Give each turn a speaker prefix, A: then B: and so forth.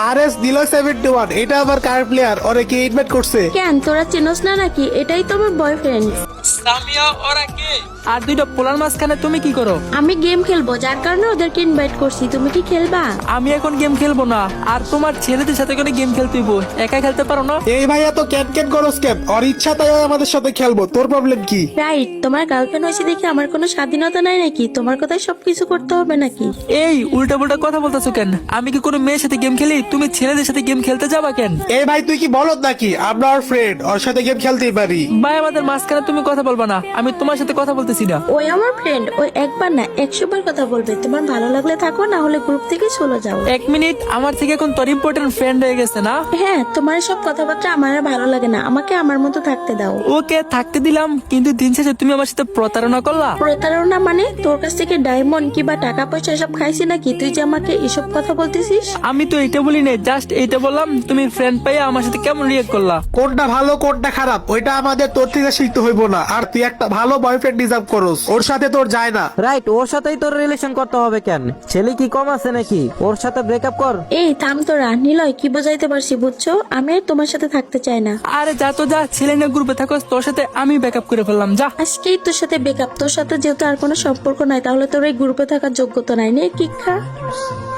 A: RS Deluxe 71 এটা আমার কার player, ওরে কে ইনভাইট করছে?
B: কেন তোরা চিনোস না নাকি? এটাই তো আমার বয়ফ্রেন্ড।
C: সামিয়া ওরা কে? আর দুইটা পোলার মাঝখানে তুমি কি করো?
B: আমি গেম খেলবো, যার কারণে ওদেরকে ইনভাইট করছি। তুমি কি খেলবা?
C: আমি এখন গেম খেলবো না, আর তোমার ছেলেদের সাথে করে গেম খেলতে হইব, একা খেলতে পারো না?
A: এই ভাইয়া তো ক্যান করস কেন? ওর ইচ্ছা তাই ও আমাদের সাথে খেলবো, তোর প্রবলেম কি?
B: রাইট, তোমার গার্লফ্রেন্ড হয়েছে দেখে আমার কোনো স্বাধীনতা নাই নাকি? তোমার কথাই সবকিছু করতে হবে নাকি?
C: এই উল্টা পুল্টা কথা বলতেছো কেন? আমি কি কোনো মেয়ের সাথে গেম খেলি? তুমি ছেলেদের সাথে গেম খেলতে যাবা কেন?
A: এই ভাই তুই কি বলদ নাকি? আমরা ওর ফ্রেন্ড, ওর সাথে গেম খেলতেই পারি।
C: ভাই আমাদের মাঝখানে তুমি কথা বলবা না, আমি তোমার সাথে কথা বলতেছি না।
B: ওই আমার ফ্রেন্ড, ওই একবার না 100 বার কথা বলবে। তোমার ভালো লাগলে থাকো, না হলে গ্রুপ থেকে চলে যাও।
C: এক মিনিট, আমার থেকে এখন তোর ইম্পর্টেন্ট ফ্রেন্ড হয়ে গেছে না?
B: হ্যাঁ, তোমার সব কথাবার্তা আমার আর ভালো লাগে না। আমাকে আমার মতো থাকতে দাও।
C: ওকে থাকতে দিলাম, কিন্তু দিন শেষে তুমি আমার সাথে প্রতারণা করলা।
B: প্রতারণা মানে? তোর কাছ থেকে ডায়মন্ড কিংবা টাকা পয়সা এসব খাইছি নাকি তুই যে আমাকে এসব কথা বলতেছিস?
C: আমি তো এটা বলি নাই, জাস্ট এইটা বললাম তুমি ফ্রেন্ড পাইয়া আমার সাথে কেমন রিয়েক্ট করলা।
A: কোনটা ভালো কোনটা খারাপ ওইটা আমাদের তোর থেকে শিখতে হইব না। আর তুই একটা ভালো বয়ফ্রেন্ড ডিজার্ভ করস, ওর সাথে তোর যায় না।
D: রাইট, ওর সাথেই তোর রিলেশন করতে হবে কেন? ছেলে কি কম আছে নাকি? ওর সাথে ব্রেকআপ কর।
B: এই থাম তোরা। নিলয়, কি বোঝাইতে পারছি বুঝছো? আমি আর তোমার সাথে থাকতে চাই না।
C: আরে যা তো যা, ছেলে না গ্রুপে থাকো, তোর সাথে আমি ব্যাকআপ করে ফেললাম, যা।
B: আজকেই তোর সাথে বেকআপ। তোর সাথে যেহেতু আর কোনো সম্পর্ক নাই, তাহলে তোর এই গ্রুপে থাকার যোগ্যতা নাই। নে কিক খা।